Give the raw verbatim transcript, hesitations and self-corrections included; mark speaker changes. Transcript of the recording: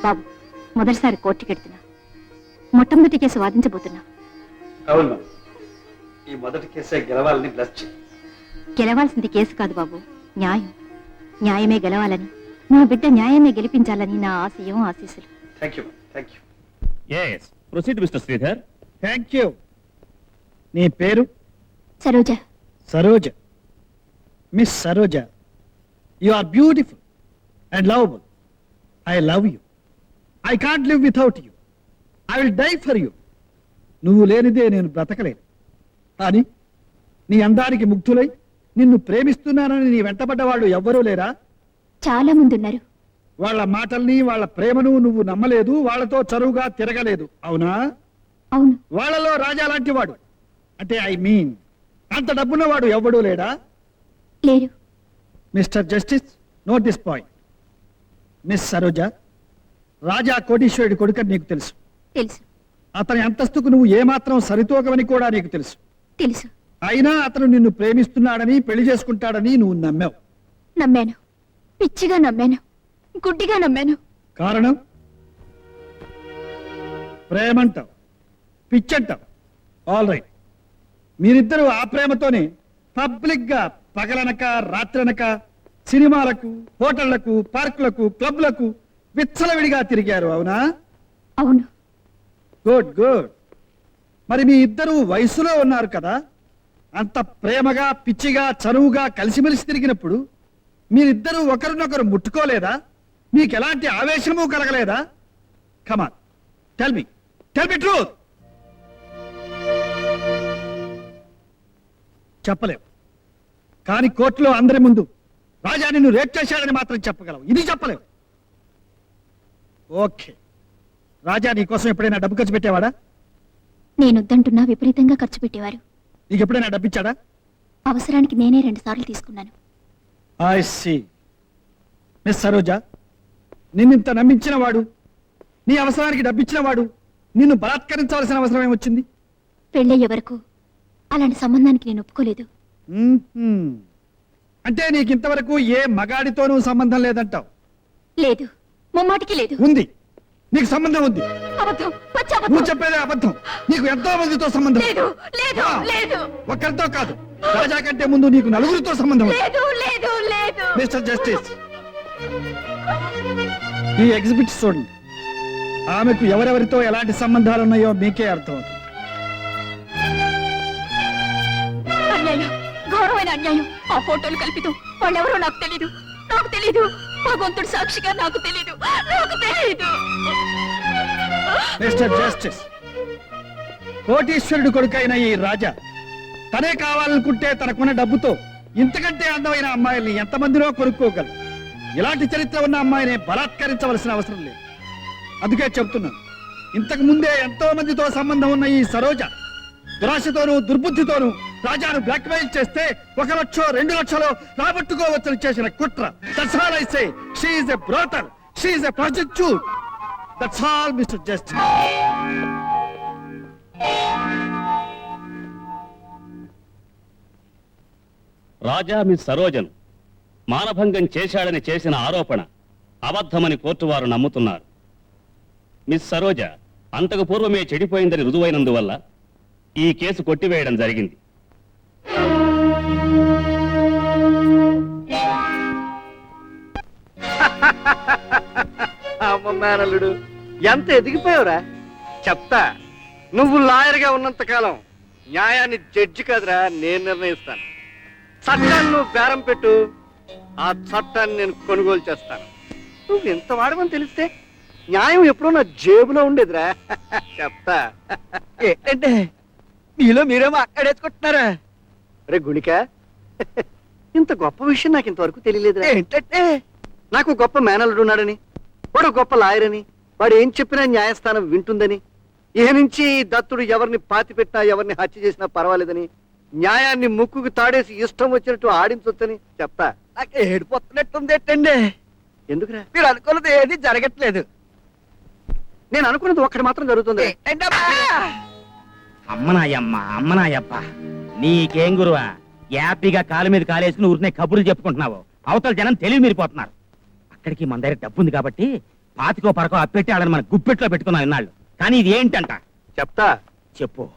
Speaker 1: బాబు, మొదటిసారి కోర్టుకి వెళ్తున్నా. మొట్టమొదటి కేసు వాదించబోతున్నా.
Speaker 2: అవును, ఈ మొదటి కేసే గెలవాలని బ్లెస్ చేయి.
Speaker 1: గెలవాల్సింది కేసు కాదు బాబు, న్యాయం. న్యాయమే గెలవాలని, నా బిడ్డ న్యాయమే గెలిపించాలని నా ఆశయం, ఆశీస్సులు.
Speaker 2: Thank you thank you.
Speaker 3: yes proceed mister Sridhar.
Speaker 4: Thank you. నీ పేరు?
Speaker 1: Saroja.
Speaker 4: Saroja. Miss Saroja, you are beautiful and lovable. I love you. I can't live without you. I will die for you. నువ్వు లేనిదే నేను బ్రతకలేను. కానీ నీ అందానికి ముగ్ధులై నిన్ను ప్రేమిస్తున్నానని నీ వెంటబడ్డ వాళ్ళు ఎవ్వరూ లేరా?
Speaker 1: చాలా మంది ఉన్నారు.
Speaker 4: వాళ్ళ మాటల్ని, వాళ్ళ ప్రేమను నువ్వు నమ్మలేదు, వాళ్ళతో చరువుగా తిరగలేదు, అవునా?
Speaker 1: అవును.
Speaker 4: వాళ్ళలో రాజా లాంటి వాడు, అంటే ఐ మీన్ అంత డబ్బున్నవాడు ఎవ్వడూ లేడా?
Speaker 1: లేరు.
Speaker 4: Mister justice, note this point. Miss Saroja, Raja కోటీశ్వరుడి కొడుకని నీకు తెలుసు.
Speaker 1: తెలుసు.
Speaker 4: అతని అంతస్తుకు నువ్వు ఏమాత్రం సరితూగవని కూడా నీకు తెలుసు.
Speaker 1: తెలుసు.
Speaker 4: అయినా అతను నిన్ను ప్రేమిస్తున్నాడని, పెళ్లి చేసుకుంటాడని నువ్వు నమ్మావు.
Speaker 1: నమ్మాను. పిచ్చిగా నమ్మాను. గుడ్డిగా నమ్మాను.
Speaker 4: కారణం? ప్రేమంటావు, పిచ్చంటావు. All right. మీరిద్దరూ ఆ ప్రేమతోనే పబ్లిక్ గా పగలనక రాత్రనక సినిమాలకు, హోటళ్లకు, పార్కులకు, క్లబ్లకు విచ్చలవిడిగా తిరిగారు, అవునా?
Speaker 1: అవును.
Speaker 4: Good good. మరి మీ ఇద్దరు వయసులో ఉన్నారు కదా, అంత ప్రేమగా, పిచ్చిగా, చనువుగా కలిసిమెలిసి తిరిగినప్పుడు మీరిద్దరూ ఒకరినొకరు ముట్టుకోలేదా? మీకు ఎలాంటి ఆవేశము కలగలేదా? Come on, tell me, tell me truth. చెప్పలేవు. కానీ కోర్టులో అందరి ముందు రాజా నిన్ను రేప్ చేశాడని మాత్రం చెప్పగలవు, ఇది చెప్పలేవు. ఓకే. రాజా నీ కోసం ఎప్పుడైనా డబ్బు ఖర్చు పెట్టేవాడా?
Speaker 1: నేనొద్దంటున్నా విపరీతంగా ఖర్చు పెట్టేవారు.
Speaker 4: నీకు ఎప్పుడైనా డబ్బిచ్చాడా?
Speaker 1: అవసరానికి నేనే రెండు సార్లు తీసుకున్నాను.
Speaker 4: I see. మిస్ సరోజ, నిన్నింత నమ్మించిన వాడు, నీ అవసరానికి డబ్బిచ్చిన వాడు నిన్ను బలాత్కరించవలసిన అవసరం ఏమొచ్చింది?
Speaker 1: పెళ్ళయ్యే వరకు అలాంటి సంబంధానికి నేను ఒప్పుకోలేదు.
Speaker 4: మ్మ్హ్మ్. అంటే నీకు ఇంతవరకు ఏ మగాడితోనూ సంబంధం లేదంటావు?
Speaker 1: లేదు, ముమ్మాటికి లేదు.
Speaker 4: ఉంది, నీకు సంబంధం ఉంది.
Speaker 1: అబద్ధం, పచ్చి అబద్ధం.
Speaker 4: నువ్వు చెప్పేదే అబద్ధం. నీకు ఎంతో మందితో సంబంధం.
Speaker 1: లేదు, లేదు,
Speaker 4: ఆ,
Speaker 1: లేదు.
Speaker 4: ఒక్కరితో కాదు, రాజా కంటే ముందు నీకు నలుగురితో సంబంధం ఉంది.
Speaker 1: లేదు, లేదు, లేదు.
Speaker 4: మిస్టర్ జస్టిస్, ఈ ఎగ్జిబిట్ చూడండి. ఆమెకు ఎవరెవరితో ఎలాంటి సంబంధాలు ఉన్నాయో మీకే అర్థమవుతుంది.
Speaker 1: అన్యాయం, ఘోరమైన అన్యాయం. ఆ ఫోటోలు కల్పితం. వాళ్ళెవరో నాకు తెలీదు, నాకు తెలీదు. భగవంతుడు సాక్షిగా నాకు తెలీదు, నాకు తెలీదు.
Speaker 4: మిస్టర్ జస్టిస్, కోటీశ్వరుడు కొడుకైన ఈ రాజా తనే కావాలనుకుంటే తనకున్న డబ్బుతో ఇంతకంటే అందమైన అమ్మాయిల్ని ఎంతమందినో కొనుక్కోగలరు. ఇలాంటి చరిత్ర ఉన్న అమ్మాయిని బలాత్కరించవలసిన అవసరం లేదు. అందుకే చెప్తున్నాను, ఇంతకు ముందే ఎంతో మందితో సంబంధం ఉన్న ఈ సరోజ దురాశతోనూ దుర్బుద్ధితోనూ రాజాను బ్లాక్ మెయిల్ చేస్తే ఒక లక్షో రెండు లక్షలో రాబట్టుకోవచ్చని చేసిన కుట్ర. That's all I say. She is a brothel, she is a prostitute. That's all mister justice.
Speaker 3: Raja miss సరోజను మానభంగం చేశాడని చేసిన ఆరోపణ అబద్ధమని కోర్టు వారు నమ్ముతున్నారు. మిస్ సరోజ అంతకు పూర్వమే చెడిపోయిందని రుజువైనందువల్ల ఈ కేసు కొట్టివేయడం జరిగింది.
Speaker 2: అమ్మ మేనల్లుడు, ఎంత ఎదిగిపోయావురా. చెప్తా, నువ్వు లాయర్గా ఉన్నంత కాలం న్యాయాన్ని జడ్జి కాదురా నేను నిర్ణయిస్తాను. చట్టాన్ని నువ్వు బేరం పెట్టు, ఆ చట్టాన్ని నేను కొనుగోలు చేస్తాను. నువ్వు ఎంత వాడమని తెలిస్తే న్యాయం ఎప్పుడో నా జేబులో ఉండేదిరా. చెప్తా. ఏంటంటే మీలో మీరేమో అక్కడేసుకుంటున్నారా? రే గుణిక, ఇంత గొప్ప విషయం నాకు ఇంతవరకు తెలియలేదురా. ఏంటంటే నాకు గొప్ప మేనల్లుడు ఉన్నాడని, వాడు గొప్ప లాయర్ అని, వాడు ఏం చెప్పినా న్యాయస్థానం వింటుందని, ఏ నుంచి దత్తుడు ఎవరిని పాతి పెట్టినా ఎవరిని హత్య చేసినా పర్వాలేదని, న్యాయాన్ని ముక్కుకు తాడేసి ఇష్టం వచ్చినట్టు ఆడించొచ్చని చెప్తా. నాకు ఏడిపోతున్నట్టుంది. ఏంటండి ఎందుకురా? మీరు అనుకున్నది ఏది జరగట్లేదు. నేను అనుకున్నది ఒక్కటి మాత్రం జరుగుతుంది.
Speaker 5: అమ్మనాయమ్మ అమ్మనాయప్ప, నీకేం గురువా? యాపీగా కాలు మీద కాలేసుకుని ఊరినే కబుర్లు చెప్పుకుంటున్నావు. అవతల జనం తెలివి మీరిపోతున్నారు. అక్కడికి మన దగ్గర డబ్బు ఉంది కాబట్టి పాతికో పరకో అప్పెట్టి వాళ్ళని మన గుప్పెట్లో పెట్టుకున్నాం ఇన్నాళ్ళు కానీ ఇది ఏంటంట
Speaker 2: చెప్తా
Speaker 5: చెప్పు